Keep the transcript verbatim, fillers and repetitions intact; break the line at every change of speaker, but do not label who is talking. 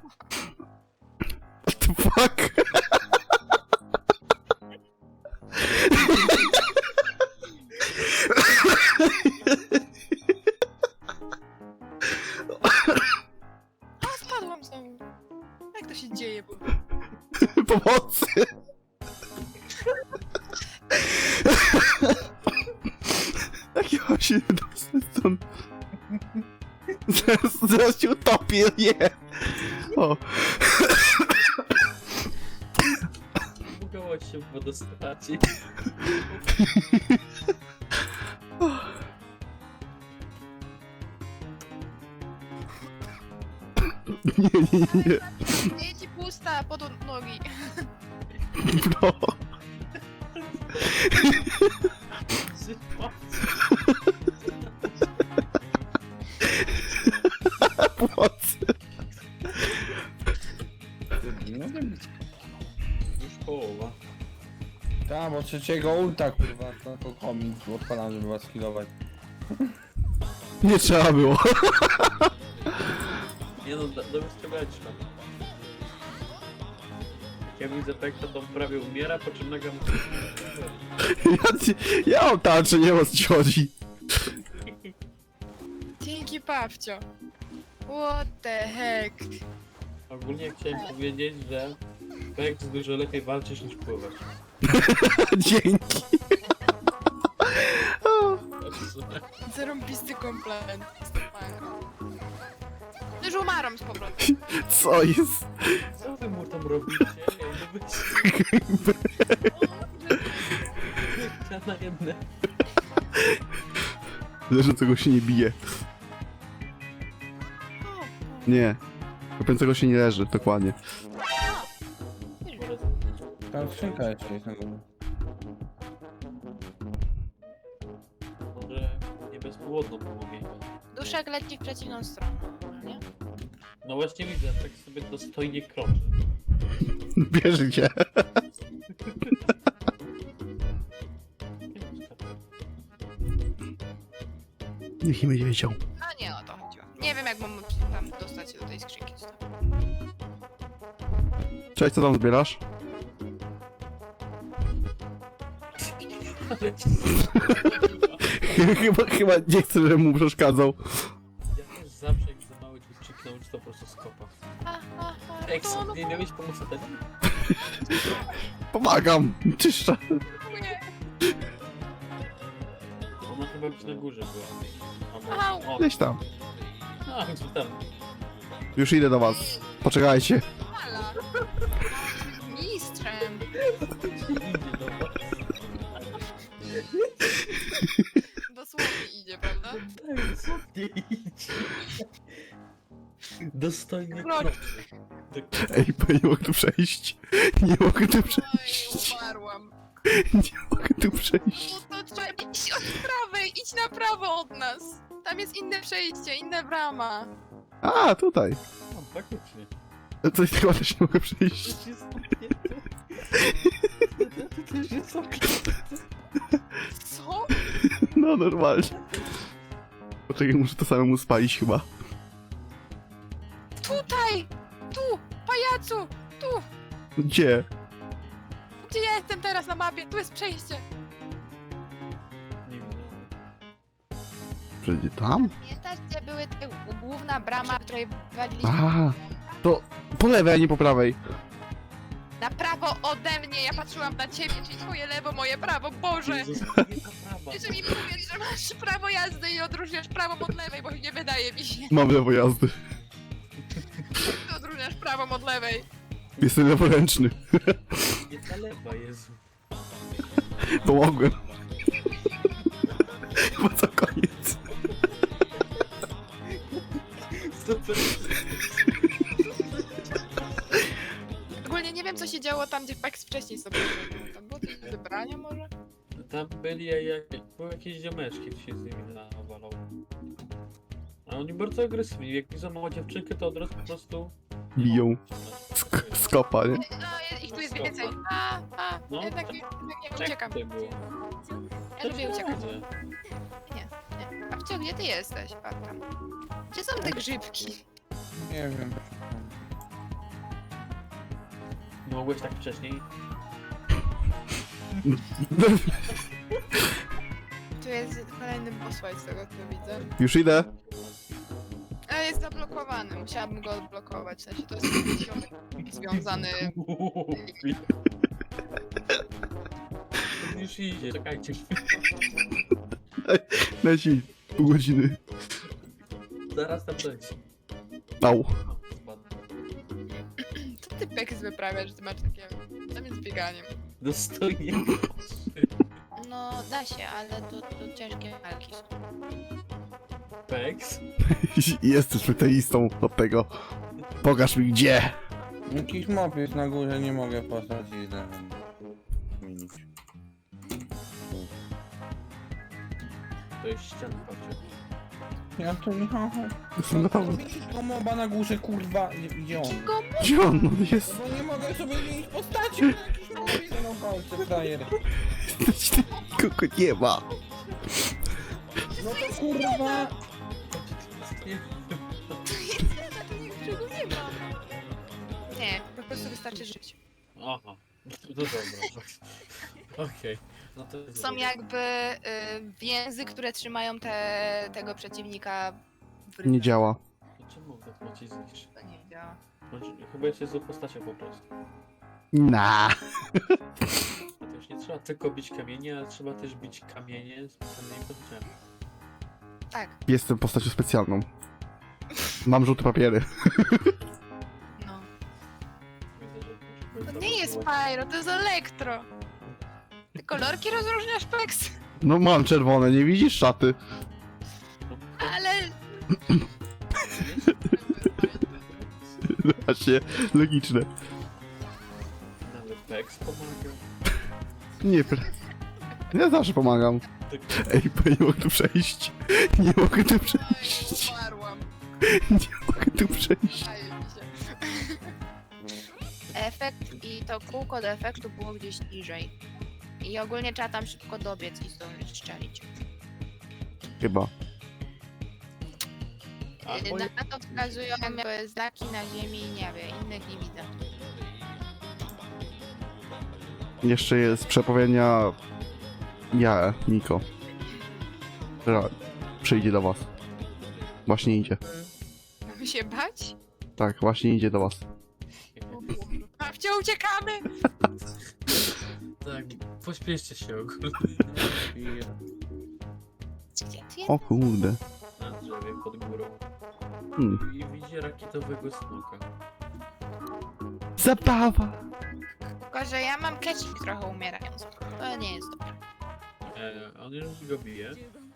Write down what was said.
What the fuck?
A, spadłam znowu. Jak to się dzieje? Bo...
Pomocy! Jak ja mam się dostać stąd? Zaraz, zaraz się utopię, nie! O.
Bugować się w wodostacie.
Nie, nie, nie, nie.
Nie ci pusta pod nogi.
No. Pomocy!
Nie mogę być.
Już połowa.
Tak, bo trzeciego ulta kurwa, to to komik odpalam, żeby was healować.
Nie trzeba było.
Nie no, do- dobrze skrzyweczka. Jak ja widzę Pekta, to prawie umiera, po czym nagle mu...
Ja, ci- ja mam tarczę, nie wiem o co ci chodzi.
Dzięki, Pawcio. What the heck?
Ogólnie chciałem powiedzieć, że Pekt dużo lepiej walczysz niż pływać.
Dzięki.
Zarąbisty komplement. Już umarłam z powrotem.
Co jest?
Co wy mu tam robicie? Ja nie Ja na jedne.
Leżącego się nie bije. Nie. Kopiącego się nie leży, dokładnie.
Tam skrzynka jeszcze jest na górze.
Może nie bezpłodno pomogę.
Duszek leci w przeciwną stronę, nie?
No właśnie widzę, tak sobie dostojnie kroczy.
Bierze cię. Niech nie będzie wiedział.
A nie o to chodziło. Nie wiem jak mam tam dostać się do tej skrzynki.
Cześć, co tam zbierasz? chyba, chyba nie chcę, żebym mu przeszkadzał.
Ja też zawsze jak za mały ci krzyknąć, to po prostu skopa.
Ha, ha, ha,
Eks,
to no,
nie miałeś pomóc tego?
Pomagam. Czyszczę.
nie.
Ona chyba gdzieś na górze była.
Au.
A, o,
Gdzieś tam.
a, gdzie tam?
Już idę do was. Poczekajcie.
Ala. Mistrzem.
Idzie do was.
Dosłownie idzie, prawda?
Tak, co nie idzie? Dostojnie
Kroczy.
kroczy.
Ej, bo nie mogę tu przejść. Nie mogę tu
Oj,
przejść.
umarłam.
Nie mogę tu przejść.
No to trzeba iść od prawej, idź na prawo od nas. Tam jest inne przejście, inna brama.
A, tutaj.
No, faktycznie.
Coś chyba też nie mogę przejść.
To jest zamknięte. To też jest zamknięte.
Co?
No, normalnie. Poczekaj, muszę to samemu spalić chyba.
Tutaj! Tu! Pajacu! Tu!
Gdzie?
Gdzie ja jestem teraz na mapie? Tu jest przejście.
Nie wiem.
Przejdzie tam?
Pamiętasz, gdzie były te główna brama, w której waliliśmy?
A, to po lewej, a nie po prawej.
Na prawo ode mnie! Ja patrzyłam na ciebie, czyli twoje lewo, moje prawo. Boże!
Jezus, nie ta prawa.
Jeszcze mi powiedz, że masz prawo jazdy i odróżniasz prawą od lewej, bo nie wydaje mi się.
Mam lewo jazdy.
Ty odróżniasz prawą od lewej.
Jestem leworęczny.
Nie ta lewa, Jezu.
Pomogłem. Bo co koniec.
Super.
Ogólnie nie wiem, co się działo tam, gdzie Pax wcześniej sobie był. Tam było coś do wybrania może?
Tam byli jak, były jakieś ziomeczki, to się z nimi nawalał. A oni bardzo agresywni, jak widzą małą dziewczynkę, to od razu po prostu...
Biją. Sk skopa, nie?
No, ich tu jest więcej. A, a,
No.
jednak, jednak nie
Tak
uciekam.
tutaj było.
Ja lubię uciekać.
Dobrze.
Nie. A wciąż, gdzie ty jesteś? Patrz tam. Gdzie są te grzybki?
Nie wiem.
Nie mogłeś tak wcześniej?
Tu jest kolejny boss fight z tego co widzę.
Już idę.
Ale jest zablokowany, musiałabym go odblokować. W sensie to jest jakiś ziomek związany.
Już idzie, czekajcie.
Leci pół godziny.
Zaraz tam dojdzie.
Au.
Co ty Pex wyprawiasz, że ty masz takie... Tam jest bieganiem.
Dostojnie.
No da się, ale to, to ciężkie walki są.
Pex?
Jesteś specjalistą od tego. Pokaż mi gdzie.
Jakiś mop jest na górze, nie mogę postaci zmienić.
To jest ściana, patrzcie.
Ja to nie mam.
Jestem gotowy.
To moba na górze, kurwa, gdzie on?
Czego?
Gdzie on no, jest?
Bo nie mogę sobie zmienić postaci, bo jakiś mop jest na palce, frajer.
Nikogo nie ma.
No to kurwa.
Niczego nie ma. Nie, po prostu wystarczy żyć.
Aha. No dobra. Okej. No to jest
Są
dobre.
jakby y, więzy, które trzymają te, tego przeciwnika w rytmie.
Nie działa.
To czemu tak macie zniszczyć?
To nie działa.
Znaczy, chyba jest złą postacią po prostu.
Na.
A to już nie trzeba tylko bić kamienie, ale trzeba też bić kamienie specjalnymi postaciami.
Tak,
Jestem postacią specjalną. Mam żółte papiery.
no.
Widzę, że
To
może
nie jest
zablokować.
Pyro, to jest Elektro. Ty kolorki rozróżniasz, Pex?
No mam czerwone, nie widzisz szaty?
No,
Ale...
Właśnie, logiczne.
Nawet Pex pomaga.
Nie, pre... Ja zawsze pomagam.
Tak,
Ej, bo nie mogę tu przejść. Nie mogę tu przejść.
Umarłam.
Nie mogę tu przejść.
Daje mi się. Efekt i to kółko do efektu było gdzieś niżej. I ogólnie trzeba tam szybko dobiec i zdążyć strzelić.
Chyba.
A,
Yy,
moje-
Na to wskazują jakby znaki na ziemi i niebie, innych nie widzę.
Jeszcze jest przepowiednia... Ja, Miko. Która przyjdzie do was. Właśnie idzie.
Mamy się bać?
Tak, właśnie idzie do was.
Babcia, uciekamy!
Tak, pośpieszcie się ogólnie.
Gdzie ty jest?
O kurde.
Na drzewie pod górą.
Hmm.
I widzi rakietowego smoka.
Zabawa!
Tylko, że ja mam kecik trochę umierając. To nie jest dobre.
E, on już go bije.